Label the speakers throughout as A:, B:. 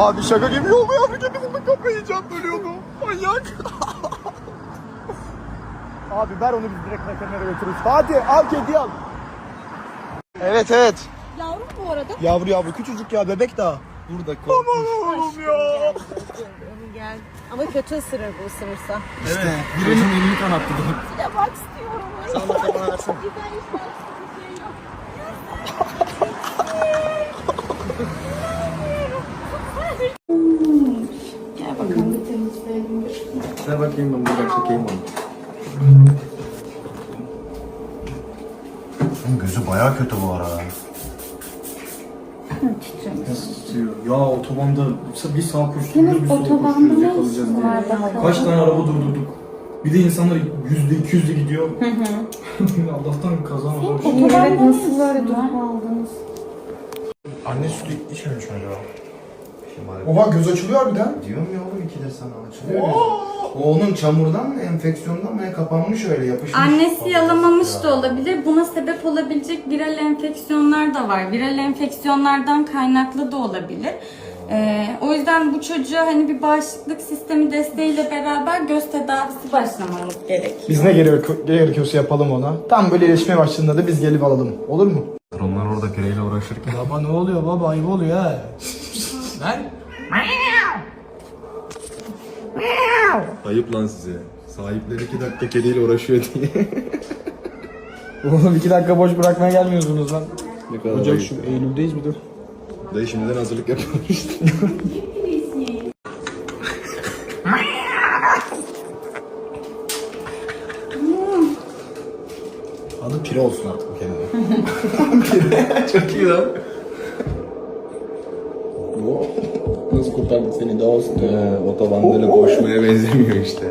A: Abi şaka gibi yol mu yavru kedi bulduk, kafayı yiyeceğim, ölüyordu. Manyak. Abi ver onu, biz direkt veterinere götürürüz. Hadi al kediyi al. Evet evet.
B: Yavrum bu arada.
A: Yavru küçücük ya, bebek daha. Burada korkmuş. Aman oğlum ya.
B: Gel. Ama kötü ısırır bu, ısırırsa.
A: Evet. Birinin elini kanattı.
B: Bir de bak istiyorum.
A: Sen de bana versene.
B: Güzel işler. Gel bakalım bir temizleyelim.
A: Ver bakayım, ben buradan çekeyim onu.
C: Gözü bayağı kötü bu ara.
A: Ya otobanda bir sağ koştuk, bir sol
B: Otobanda
A: koşuyoruz,
B: ne
A: yakalayacağız
B: işin
A: diye.
B: var bakalım?
A: Kaç tane araba durdurduk. Bir de insanlar %200'le gidiyor. Allah'tan kaza var.
B: Evet, nasıl böyle durum aldınız?
C: Anne sütü içmemiş mi acaba?
A: Oha, göz açılıyor harbiden.
C: Diyorum ya oğlum, iki de sana açılıyor. O onun çamurdan mı, enfeksiyondan mı, kapanmış öyle yapışmış.
D: Annesi yalamamış da olabilir. Buna sebep olabilecek viral enfeksiyonlar da var. Viral enfeksiyonlardan kaynaklı da olabilir. O yüzden bu çocuğa hani bir bağışıklık sistemi desteğiyle beraber göz tedavisi başlamamız gerekiyor.
A: Biz ne gerekiyorsa yapalım ona. Tam böyle iyileşmeye başladığında da biz gelip alalım. Olur mu?
C: Onlar orada pireyle uğraşırken.
A: Baba ne oluyor baba? Ayıp oluyor ha. Lan.
C: Ayıp lan size. Sahipleri 2 dakika kediyle uğraşıyor diye.
A: Oğlum 2 dakika boş bırakmaya gelmiyorsunuz lan.
C: Ne kadar
A: Ocak
C: ayıp
A: şu
C: ya.
A: Eylül'deyiz bir dur.
C: Dayı şimdiden hazırlık yapıyormuş işte.
A: Adı Pire olsun artık bu kedinin.
C: Pire. Çok iyi lan.
A: Nasıl kurtardık seni de olsun.
C: Otobanda öyle koşmaya benzemiyor işte.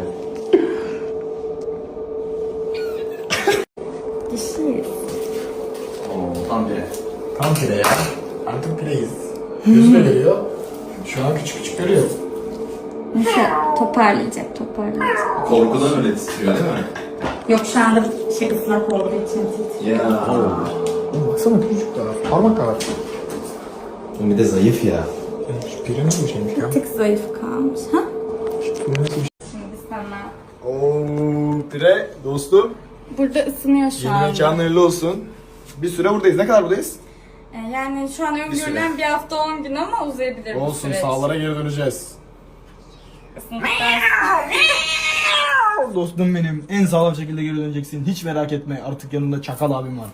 D: Dişiyiz.
C: Oo, tam pire.
A: Tam Pire ya. Artık Pireyiz. Gözüne veriyor. Şu an küçük küçük görüyor.
D: Mesela toparlayacak.
C: Korkudan öyle titriyor değil mi?
D: Yok, şu anda şey ıslak olduğu için titriyor.
C: Ya.
A: Oğlum baksana küçücük daha. Parmak kadar.
C: O bir de zayıf ya.
A: Şu Pire nasıl bir şeymiş ya?
D: Bir tık zayıf kalmış. Ha?
A: Pire nasıl bir şey?
D: Şimdi sana.
A: Ooo Pire dostum.
D: Burada ısınıyor şu
A: Yeni
D: anda.
A: mekanın hayırlı olsun. Bir süre buradayız. Ne kadar buradayız?
D: Yani şu an öngörülen bir hafta 10 gün ama uzayabilir bu
A: Olsun,
D: süreç.
A: sahalara geri döneceğiz.
D: Isındıktan
A: Dostum benim, en sağlam şekilde geri döneceksin. Hiç merak etme. Artık yanında Çakal abim var.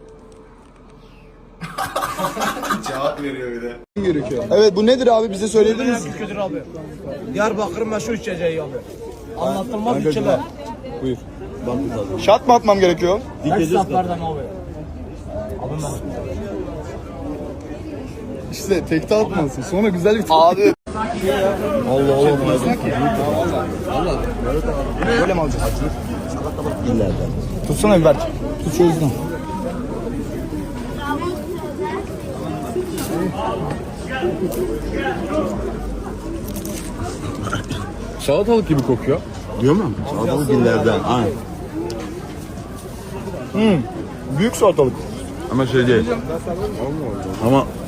C: Cevap veriyor bir de.
A: Gerekiyor. Evet, bu nedir abi? Bize söyleyebilir misin?
E: Kötür abi. Diyarbakır'ın meşhur içeceği abi. Anlatılmaz bir şeyler.
A: Buyur. Şat mı atmam gerekiyor?
E: Her saflardan abi. Abim benim.
A: İşte tekte atmalısın. Sonra güzel bir abi. Allah Allah. Allah. Böyle mi alacağız? İleride. Tutsana bir Berk. Tut şu yüzden.
C: Salatalık gibi kokuyor.
F: Diyor mu? Salatalık dillerden. Aynen.
A: Büyük salatalık.
F: Ama şey değil. Ama